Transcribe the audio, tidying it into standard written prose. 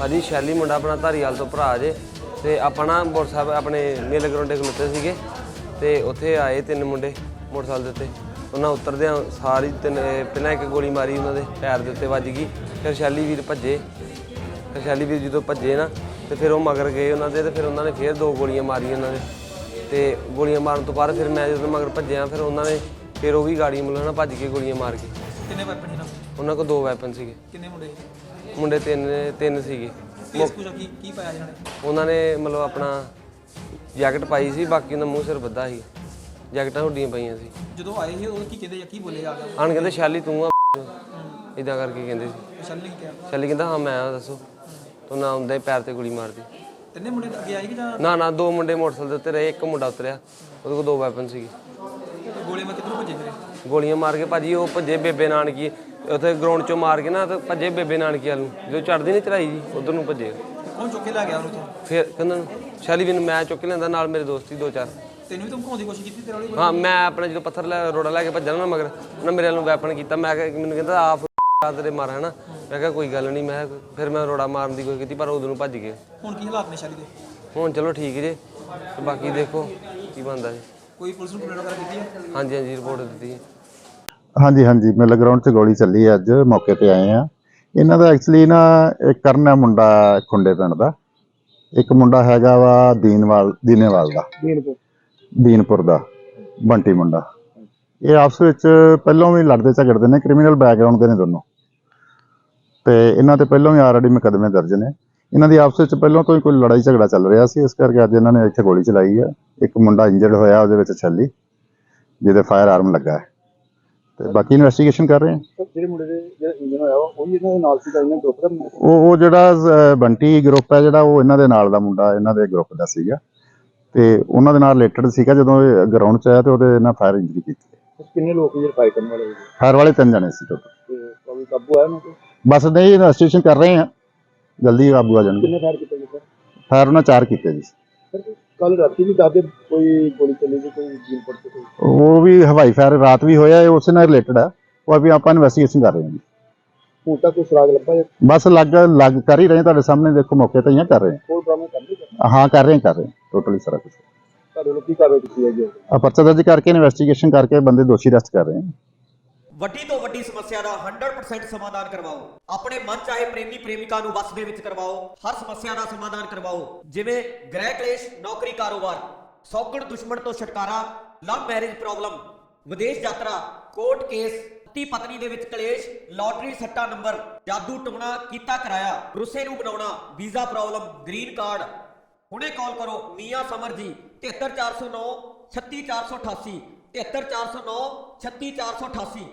भाजी शैली मुंडा अपना धारीवाल तो भरा जे ते आपां ना मोटरसाइकिल अपने मेले ग्राउंडे खलोते सीगे ते उत्थे आए 3 मुंडे मोटरसाइकिल दे उत्ते उन्हां उतरदे सारी पहलां एक गोली मारी उन्हां दे पैर दे उत्ते वज गई। फिर शैली वीर भज्जे, फिर शैली वीर जो भज्जे ना तो फिर वो मगर गए उन्हां दे ते फिर उन्होंने फिर 2 गोलियां मारियां उन्हां दे ते गोलियां मारन तो बाद फिर मैं जो मगर भज्जिया फिर उन्होंने फिर वो भी गाड़ी मतलब ना भज के गोलियां मार के। कितने वैपन हैं उन्होंने को 2 वैपन सीगे। कितने मुंडे मुंडे 3 सीगे। की पाया जाने उन्होंने मतलब अपना जैकट पाई सी, बाकी उन्होंने मूँह सिर बद्धा ही, जैकटां हुड्डियां पाइयां सी। ਜਦੋਂ ਆਏ ਸੀ ਉਹ ਕੀ ਕਹਿੰਦੇ ਜਾਂ ਕੀ ਬੋਲੇ ਆ ਗਿਆ ਆਣ ਕਹਿੰਦੇ ਸ਼ੈਲੀ ਤੂੰ ਆ ਇਦਾਂ ਕਰਕੇ ਕਹਿੰਦੇ ਸੀ। ਸ਼ੈਲੀ ਨੇ ਕਿਹਾ ਸ਼ੈਲੀ ਕਹਿੰਦਾ ਹਾਂ ਮੈਂ ਆ ਦੱਸੋ ਤੂੰ ਨਾ ਹੁੰਦਾ ਹੀ ਪੈਰ ਤੇ ਗੋਲੀ ਮਾਰਦੀ। ਤਿੰਨੇ ਮੁੰਡੇ ਅੱਗੇ ਆਏ ਕਿ ਜਾਂ ਨਾ 2 ਮੁੰਡੇ ਮੋਟਰਸਾਈਕਲ ਦੇ ਉੱਤੇ ਰਹੇ, ਇੱਕ ਮੁੰਡਾ ਉਤਰਿਆ ਉਹਦੇ ਕੋਲ 2 ਵੈਪਨ ਸੀਗੇ। ਗੋਲੀਆਂ ਮੈਂ ਕਿੱਧਰੋਂ ਭੱਜੇ ਫਿਰ ਗੋਲੀਆਂ ਮਾਰ ਕੇ ਭਾਜੀ ਉਹ ਭੱਜੇ ਬੇਬੇ ਨਾਨਕੀ ਉੱਥੇ ਗਰਾਊਂਡ 'ਚੋਂ ਮਾਰ ਕੇ ਨਾ ਤੇ ਭੱਜੇ ਬੇਬੇ ਨਾਨਕੀ ਵੱਲ ਨੂੰ, ਜਦੋਂ ਚੜ੍ਹਦੀ ਨਹੀਂ ਚੜਾਈ ਜੀ ਉਧਰ ਨੂੰ ਭੱਜੇ। ਕੌਣ ਚੁੱਕ ਕੇ ਲੈ ਗਿਆ ਉਹਨੂੰ ਤੋਂ ਫਿਰ ਕਹਿੰਦਾ ਸ਼ੈਲੀ ਵੀ ਨੂੰ ਮੈਂ ਚੁੱਕ ਕੇ ਲੈਂਦਾ, ਨਾਲ ਮੇਰੇ ਦੋਸਤ ਹੀ 2-4। ਤੈਨੂੰ ਵੀ ਧਮਕਾਉਣ ਦੀ ਕੋਸ਼ਿਸ਼ ਕੀਤੀ ਤੇਰੇ ਵਾਲੀ ਹਾਂ ਮੈਂ ਆਪਣੇ ਜਦੋਂ ਪੱਥਰ ਲੈ ਰੋੜਾ ਲੈ ਕੇ ਭੱਜਣਾ ਨਾ ਮਗਰ ਉਹਨਾਂ ਮੇਰੇ ਵੱਲੋਂ ਵੈਪਨ ਕੀਤਾ। ਮੈਂ ਮੈਨੂੰ ਕਹਿੰਦਾ ਆ ਤੇਰੇ ਮਾਰ ਹੈ ਨਾ, ਮੈਂ ਕਿਹਾ ਕੋਈ ਗੱਲ ਨਹੀਂ। ਮੈਂ ਫਿਰ ਮੈਂ ਰੋੜਾ ਮਾਰਨ ਦੀ ਕੋਈ ਕੀਤੀ ਪਰ ਉਦੋਂ ਨੂੰ ਭੱਜ ਗਏ। ਹੁਣ ਕੀ ਹਾਲਾਤ ਨੇ ਸ਼ੈਲੀ ਦੇ? ਹੁਣ ਚਲੋ ਠੀਕ ਜੇ ਤੇ ਬਾਕੀ ਦੇਖੋ ਕੀ ਬਣਦਾ ਜੀ। ਕੋਈ ਪੁਲਿਸ ਨੂੰ ਕੰਪਲੇਂਟ ਵਗੈਰਾ ਕੀਤੀ ਹੈ? ਹਾਂਜੀ ਰਿਪੋਰਟ ਦਿੱਤੀ ਹੈ। ਹਾਂਜੀ ਮੇਲੇ ਗਰਾਊਂਡ 'ਚ ਗੋਲੀ ਚੱਲੀ ਹੈ, ਅੱਜ ਮੌਕੇ ਤੇ ਆਏ ਆ। ਇਹਨਾਂ ਦਾ ਐਕਚੁਅਲੀ ਨਾ ਇੱਕ ਕਰਨ ਹੈ ਮੁੰਡਾ ਖੁੰਡੇ ਪਿੰਡ ਦਾ, ਇੱਕ ਮੁੰਡਾ ਹੈਗਾ ਵਾ ਦੀਨੇਵਾਲ ਦਾ ਦੀਨਪੁਰ ਦਾ ਬੰਟੀ ਮੁੰਡਾ। ਇਹ ਆਪਸ ਵਿੱਚ ਪਹਿਲਾਂ ਵੀ ਲੜਦੇ ਝਗੜਦੇ ਨੇ, ਕ੍ਰਿਮੀਨਲ ਬੈਕਗ੍ਰਾਉਂਡ ਦੇ ਨੇ ਦੋਨੋਂ ਤੇ ਇਹਨਾਂ ਤੇ ਪਹਿਲਾਂ ਵੀ ਆਲਰੇਡੀ ਮੁਕੱਦਮੇ ਦਰਜ ਨੇ। ਇਹਨਾਂ ਦੀ ਆਪਸ ਵਿੱਚ ਪਹਿਲਾਂ ਤੋਂ ਹੀ ਕੋਈ ਲੜਾਈ ਝਗੜਾ ਚੱਲ ਰਿਹਾ ਸੀ, ਇਸ ਕਰਕੇ ਅੱਜ ਇਹਨਾਂ ਨੇ ਇੱਥੇ ਗੋਲੀ ਚਲਾਈ ਹੈ। ਇੱਕ ਮੁੰਡਾ ਇੰਜਰਡ ਹੋਇਆ ਉਹਦੇ ਵਿੱਚ ਛੱਲੀ ਜਿਹਦੇ ਫਾਇਰ ਆਰਮ ਲੱਗਾ ਹੈ ਤੇ ਬਾਕੀ ਇਨਵੈਸਟੀਗੇਸ਼ਨ ਕਰ ਰਹੇ ਹਾਂ। ਜਿਹੜੇ ਮੁੰਡੇ ਦੇ ਜਿਹੜਾ ਇੰਜਨ ਹੋਇਆ ਉਹ ਵੀ ਇਹਨਾਂ ਦੇ ਨਾਲ ਸੀਗਾ, ਇਹਨਾਂ ਗਰੁੱਪ ਦਾ ਉਹ ਜਿਹੜਾ ਬੰਟੀ ਗਰੁੱਪ ਹੈ ਜਿਹੜਾ ਉਹ ਇਹਨਾਂ ਦੇ ਨਾਲ ਦਾ ਮੁੰਡਾ ਇਹਨਾਂ ਦੇ ਗਰੁੱਪ ਦਾ ਸੀਗਾ ਤੇ ਉਹਨਾਂ ਦੇ ਨਾਲ ਰਿਲੇਟਡ ਸੀਗਾ। ਜਦੋਂ ਇਹ ਗਰਾਊਂਡ 'ਚ ਆਇਆ ਤੇ ਉਹਦੇ ਨਾਲ ਫਾਇਰ ਇੰਜਰੀ ਕੀਤੀ। ਕਿੰਨੇ ਲੋਕ ਜਿਹੜੇ ਫਾਈਟ ਕਰਨ ਵਾਲੇ ਫਾਇਰ ਵਾਲੇ 3 ਜਣੇ ਸੀ ਟੋਟਲ। ਤੇ ਕੋਈ ਕਾਬੂ ਆਇਆ ਉਹਨਾਂ ਤੇ? ਬਸ ਨਹੀਂ ਇਨਵੈਸਟੀਗੇਸ਼ਨ ਕਰ ਰਹੇ ਹਾਂ, ਜਲਦੀ ਕਾਬੂ ਆ ਜਾਣਗੇ। ਕਿੰਨੇ ਫਾਇਰ ਕੀਤੇ ਗਏ ਸਰ? ਫਾਇਰ ਉਹਨਾਂ 4 ਕੀਤੇ ਜੀ। ਕੱਲ ਰਾਤੀ ਵੀ ਦੱਸਦੇ ਕੋਈ ਗੋਲੀ ਚੱਲੀ ਸੀ ਕੋਈ ਜੀਨਪੁਰ ਤੇ ਕੋਈ? ਉਹ ਵੀ ਹਵਾਈ ਫਾਇਰ ਰਾਤ ਵੀ ਹੋਇਆ, ਇਹ ਉਸੇ ਨਾਲ ਰਿਲੇਟਡ ਹੈ। ਉਹ ਵੀ ਆਪਾਂ ਇਨਵੈਸਟੀਗੇਸ਼ਨ ਕਰ ਰਹੇ ਹਾਂ ਜੀ। ਹੁਣ ਤੱਕ ਕੋਈ ਸੁਰਾਗ ਲੱਭਾ ਜਾਂ ਬਸ ਲੱਗ ਕਰ ਹੀ ਰਹੇ, ਤੁਹਾਡੇ ਸਾਹਮਣੇ ਦੇਖੋ ਮੌਕੇ ਤੇ ਹੀ ਕਰ ਰਹੇ ਹੋਰ ਡਰਾਮੇ ਕਰਦੇ ਹਾਂ। ਹਾਂ ਕਰ ਰਹੇ ਟੋਟਲੀ ਸਾਰਾ ਕੁਝ। ਤੁਹਾਡੇ ਲੋਕ ਕੀ ਕਾਰਵਾਈ ਕੀਤੀ ਹੈ ਜੀ? ਆ ਪਰਚਾ ਦਰਜ ਕਰਕੇ ਇਨਵੈਸਟੀਗੇਸ਼ਨ ਕਰਕੇ ਬੰਦੇ ਦੋਸ਼ੀ ਅਰੈਸਟ ਕਰ ਰਹੇ ਹਾਂ। ਵੱਡੀ ਤੋਂ ਵੱਡੀ ਸਮੱਸਿਆ ਦਾ 100% ਸਮਾਧਾਨ ਕਰਵਾਓ। ਆਪਣੇ ਮਨ ਚਾਹੇ ਪ੍ਰੇਮੀ ਪ੍ਰੇਮਿਕਾ ਨੂੰ ਵਸ ਦੇ ਵਿੱਚ ਕਰਵਾਓ। ਹਰ ਸਮੱਸਿਆ ਦਾ ਸਮਾਧਾਨ ਕਰਵਾਓ, ਜਿਵੇਂ ਗ੍ਰਹਿ ਕਲੇਸ਼, ਨੌਕਰੀ, ਕਾਰੋਬਾਰ, ਸੌਗਣ ਦੁਸ਼ਮਣ ਤੋਂ ਛੁਟਕਾਰਾ, ਲਵ ਮੈਰਿਜ ਪ੍ਰੋਬਲਮ, ਵਿਦੇਸ਼ ਯਾਤਰਾ, ਕੋਰਟ ਕੇਸ, ਪਤੀ ਪਤਨੀ ਦੇ ਵਿੱਚ ਕਲੇਸ਼, ਲਾਟਰੀ ਸੱਟਾ ਨੰਬਰ, ਜਾਦੂ ਟੋਣਾ ਕੀਤਾ ਕਰਾਇਆ, ਰੁੱਸੇ ਨੂੰ ਬਣਾਉਣਾ, ਵੀਜ਼ਾ ਪ੍ਰੋਬਲਮ, ਗ੍ਰੀਨ ਕਾਰਡ। ਹੁਣੇ ਕਾਲ ਕਰੋ ਮੀਆਂ ਸਮਰ ਜੀ 73409 36488 73409 36488।